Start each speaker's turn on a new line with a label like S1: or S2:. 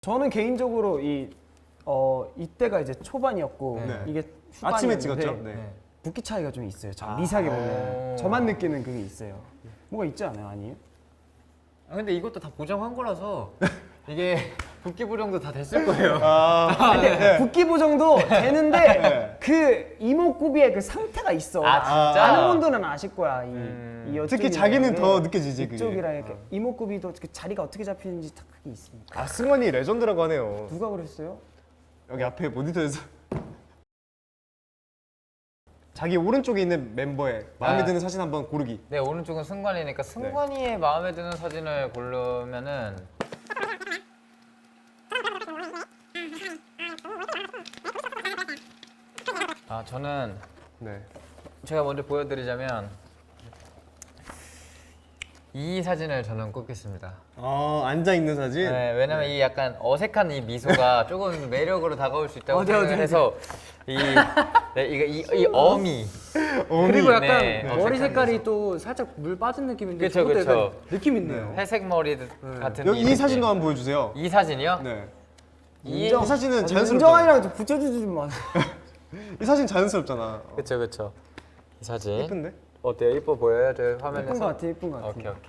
S1: 저는 개인적으로 이때가 이제 초반이었고
S2: 네.
S1: 이게
S2: 아침에
S1: 후반이었는데
S2: 찍었죠? 네.
S1: 붓기 차이가 좀 있어요. 미세하게 보면 저만 느끼는 그게 있어요. 뭐가 있지 않아요? 아니에요?
S3: 아, 근데 이것도 다 보정한 거라서 이게 붓기 보정도 다 됐을 거예요.
S1: 근데 붓기 보정도 되는데
S2: 네.
S1: 그 이목구비의 그 상태가 있어.
S3: 아, 진짜?
S1: 아는 분들은 아실 거야. 이
S2: 특히
S1: 여쪽이랑
S2: 자기는
S1: 이게
S2: 더 느껴지지, 그게.
S1: 이쪽이랑 이렇게 이목구비도 그 자리가 어떻게 잡히는지 다 그게 있습니다.
S2: 아, 승관이 레전드라고 하네요.
S1: 누가 그랬어요?
S2: 여기 앞에 모니터에서 자기 오른쪽에 있는 멤버의 마음에 드는 사진 한번 고르기.
S3: 네, 오른쪽은 승관이니까 승관이의 마음에 드는 사진을 고르면은 저는
S2: 네.
S3: 제가 먼저 보여드리자면 이 사진을 저는 꼽겠습니다.
S2: 앉아 있는 사진.
S3: 네, 왜냐면 이 약간 어색한 이 미소가 조금 매력으로 다가올 수 있다고
S1: 어디,
S3: 생각을
S1: 어디,
S3: 해서 이 어미.
S4: 그리고 약간
S3: 네,
S4: 머리
S3: 어색한
S4: 색깔이
S3: 미소.
S4: 또 살짝 물 빠진 느낌인데
S3: 그쵸,
S4: 저것도
S3: 그쵸.
S4: 약간 느낌 있네요.
S3: 회색 머리 같은
S2: 여기 이
S3: 느낌.
S2: 사진도 한번 보여주세요.
S3: 이 사진이요?
S2: 네.
S3: 이
S2: 이 사진은 자연스럽잖아.
S1: 은정아이랑 좀 붙여주지 좀 마.
S2: 이 사진 자연스럽잖아.
S3: 그쵸. 이 사진
S2: 예쁜데?
S3: 어때요? 이뻐 보여요? 저 화면에서?
S1: 예쁜 것 같아, 예쁜 것 같아.
S3: 오케이.